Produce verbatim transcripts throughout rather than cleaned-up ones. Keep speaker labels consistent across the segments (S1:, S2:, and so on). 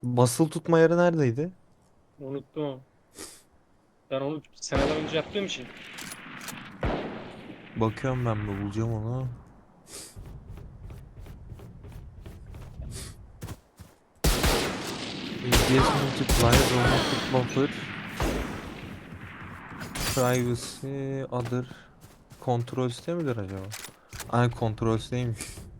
S1: Basılı tutma yeri neredeydi?
S2: Unuttum. Ben onu seneler önce yaptığım için.
S1: Bakıyorum ben de bulacağım onu. F P S multiplier, romantic buffer, privacy, other. Kontrol midir acaba? Ay kontrol siteymiş.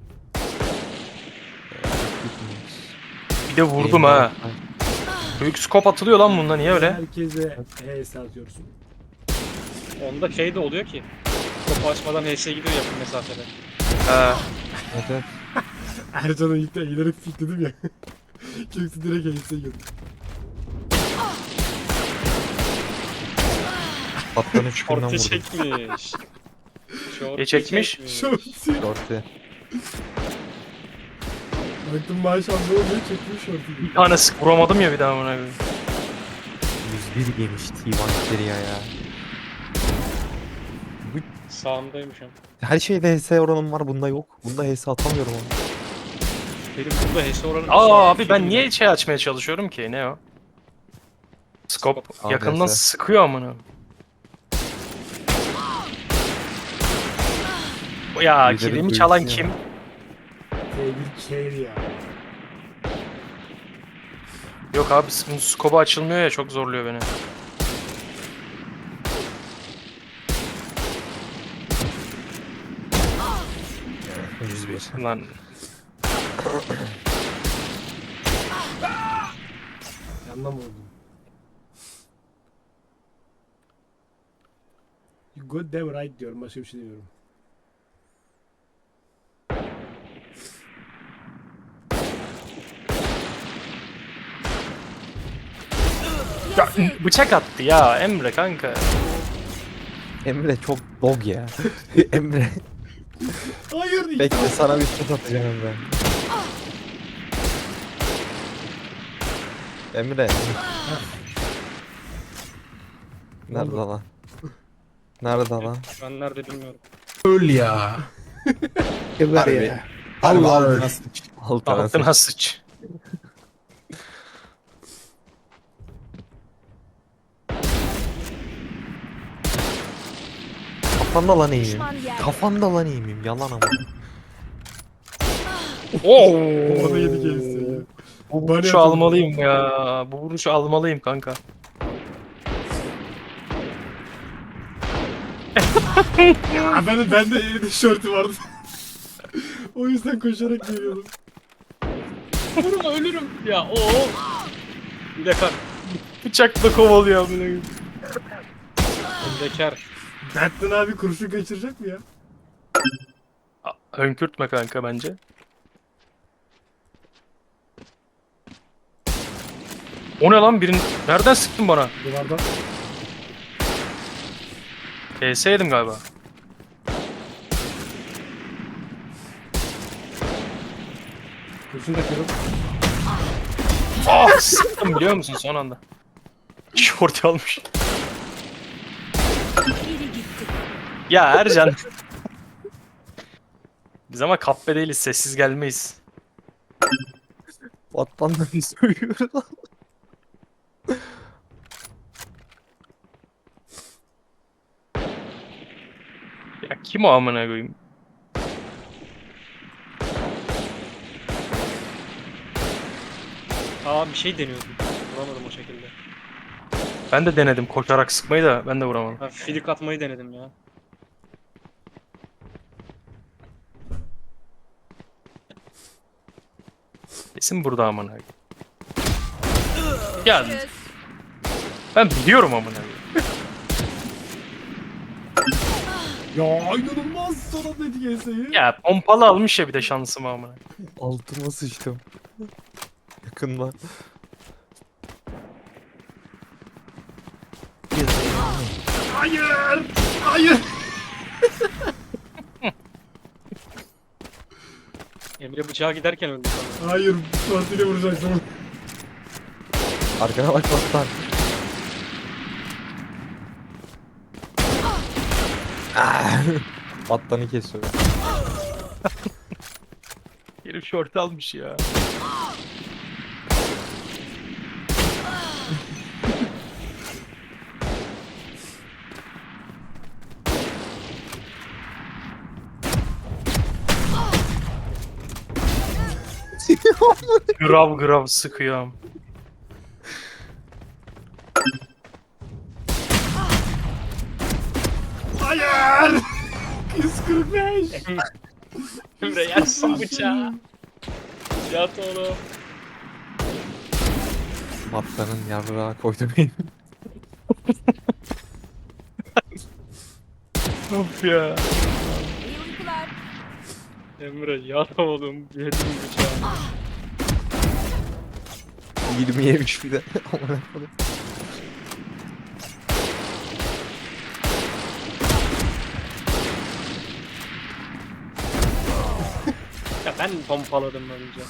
S1: Ee, equipment.
S3: Bir de vurdum
S1: Aim'de
S3: ha.
S1: alt.
S3: Büyük skop atılıyor lan bunda, niye
S4: Niye
S3: öyle?
S4: herkese H S atıyorsun?
S2: Onda şey de oluyor ki. Topu açmadan H S gidiyor yakın mesafede.
S3: Ha.
S1: Evet, evet.
S4: Ercan'a ilk de ileri fikledim ya. Kimse direkt H S girdi.
S1: Patlanın üç günden
S2: Orta
S1: vurdum.
S2: çekmiş. Şortu
S3: E çekmiş?
S4: Şortu.
S1: Dörtte.
S4: Baktım maşallah ne oluyor çekmiş şortu.
S3: Bir tane sık vuramadım ya bir daha buna koyayım.
S1: yüz bir yemiş T bir içeriye ya. Bu,
S2: Sağımdaymış ama.
S1: her şeyde H S oranım var, bunda yok. Bunda H S atamıyorum onu.
S2: Benim burada H S oranı
S3: Aa abi ben niye şey açmaya çalışıyorum ki? Ne o? Skop
S2: Skop.
S3: yakından
S1: A D S.
S3: sıkıyor amına. Ya
S1: Lideri
S3: kilimi çalan
S1: duysun
S3: kim?
S1: ya.
S4: T bir carry ya.
S3: Yok abi bunun skobu açılmıyor ya, çok zorluyor beni.
S1: yüz bir.
S3: Lan
S4: Yandan vurdum. You got them right diyorum. Başka bir şey demiyorum.
S3: ya, bıçak attı ya Emre kanka.
S1: Emre çok dog ya. Emre.
S4: Hayır.
S1: Bekle, sana bir tut atacağım Emre. Emre. Nerede
S4: oldu?
S1: lan? Nerede lan?
S2: Şu an nerede bilmiyorum.
S5: Öl ya.
S1: Harbi.
S5: ya. Allah öl.
S1: Altına sıç.
S3: Altına sıç.
S1: Kafanda lan eğimim.
S6: Düşman yerde.
S1: Kafanda lan eğimim. Yalan ama.
S3: Oo.
S4: Bana yedi H S ya.
S3: Bu
S4: Bana
S3: vuruşu
S4: yapıldı.
S3: almalıyım ya. Bu vuruşu almalıyım kanka.
S4: Ya ben, ben de elinde şortu vardı. O yüzden koşarak geliyordum.
S2: Vurma ölürüm. Ya o. Bir de kar.
S3: Bıçakla kovalıyor amına koyayım.
S2: Bekar.
S4: Berktan abi kurşun kaçıracak mı ya?
S3: A- Hönkürtme kanka bence. O ne lan, birin nereden sıktın bana?
S4: Duvardan.
S3: P S yedim galiba.
S4: Kurşun takıyorum.
S3: Ah sıktım biliyor musun son anda. Şort almış.
S6: Biri gitti.
S3: Ya Ercan. Biz ama kahpe değiliz, sessiz gelmeyiz.
S1: Vattandan söylüyor lan.
S3: Ya kim o amına koyayım?
S2: Aa bir şey deniyordum. Vuramadım o şekilde.
S3: Ben de denedim koşarak sıkmayı da ben de vuramadım.
S2: Ha, filik atmayı denedim ya.
S3: Kesin burada amına koyayım. Ya ben biliyorum amına koyayım.
S4: Ya inanılmaz sonra dedik H S'yi.
S3: Ya pompalı almış ya bir de şansım amına.
S1: Altıma sıçtım. Yakında.
S4: Hayır! Hayır!
S2: Emre bıçağa giderken öldü sanırım.
S4: Hayır, Fatih'le vuracaktım.
S1: Arkana bak Vattan. Ah! Vattanı kesiyor.
S3: Herif şort almış ya. Grav grav sıkıyorum.
S4: Hayır. yüz kırk beş.
S2: Emre yersin bıçağı. Yat oğlum.
S1: Battanın yarrağı koydu beni.
S3: Of ya.
S6: İyi uykular.
S2: Emre yat oğlum. Yedim bıçağı.
S1: yirmi yemiş bir de. Amına koyayım.
S2: Ya ben pompaladım önce.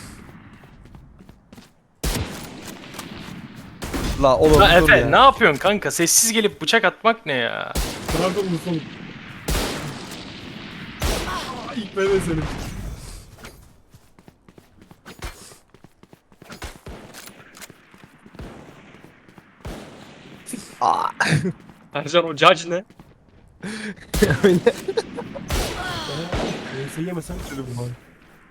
S1: La oğlum
S3: Ha,
S1: dur
S3: Efe
S1: ya.
S3: ne yapıyorsun kanka? Sessiz gelip bıçak atmak ne ya?
S4: Nerede unutalım? Aa, İlk ben de senin.
S1: Aa,
S2: Ercan o judge ne?
S1: öyle.
S4: Neyse yemesen şöyle bu bari.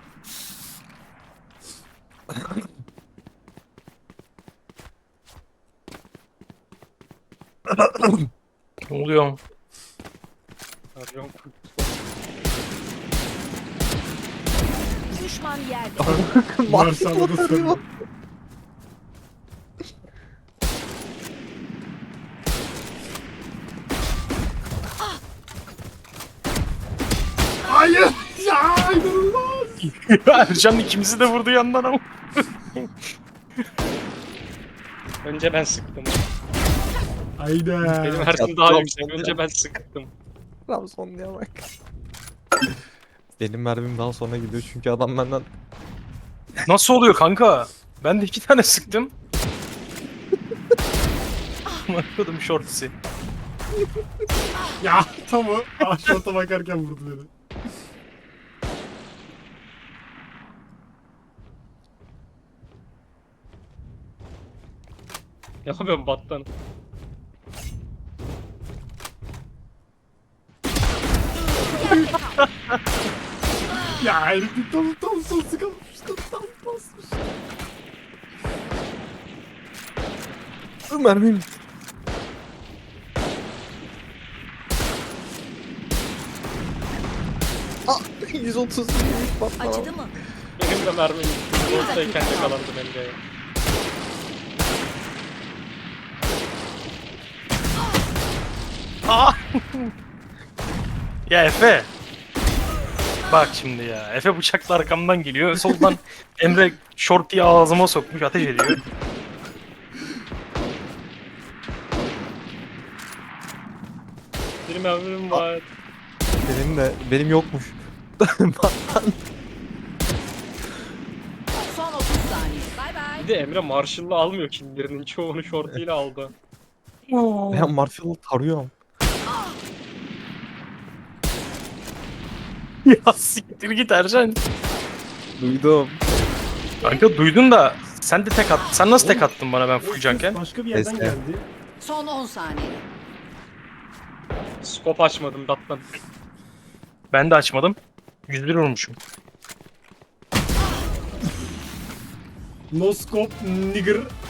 S3: Ne oluyor?
S2: Ercan
S6: Düşman yerde.
S4: Marşal'da da sarıyor. Hayır. Ya inanılmaz.
S3: Ercan ikimizi de vurdu yandan ama.
S2: önce ben sıktım.
S4: Hayda.
S2: Benim Ersin
S1: Ya,
S2: daha
S1: tamam,
S2: yüksek.
S1: tamam.
S2: Önce ben sıktım.
S1: Trabzonlu'ya bak. Benim mermim daha sonra gidiyor çünkü adam benden
S3: Nasıl oluyor kanka? Ben de iki tane sıktım. Bakıyordum shorts'i.
S4: Ya tam o. Aşağıda bakarken vurdu beni.
S2: Ne yapıyorum battan?
S4: Ya herif bir tam tam sol sıkılmış. Tam tam basmış.
S1: mermim. Ah, yüz otuz yemiş patlamam.
S6: Acıdı mı?
S2: Benim de mermim. Ortadayken yakalandım Emre'ye.
S3: Aa! Ya Efe. Bak şimdi ya. Efe bıçakla arkamdan geliyor. Soldan Emre shorty'yi ağzıma sokmuş ateş ediyor.
S2: Bir mermim var.
S1: Benim de benim yokmuş. Battan.
S6: Son otuz saniye. Bay bay.
S2: Bir de Emre Marshall'la almıyor killerinin. Çoğunu shorty'yle aldı.
S1: Ben Marshall'ı tarıyorum.
S3: Ya siktir git Ercan.
S1: Duydum.
S3: Kanka duydun da sen de tek at. Sen nasıl tek attın bana ben fullcanken?
S4: Başka bir yerden
S1: Neyse.
S4: geldi.
S6: Son on saniye.
S2: Skop açmadım battan.
S3: Ben de açmadım. yüz bir vurmuşum.
S4: No scope nigger.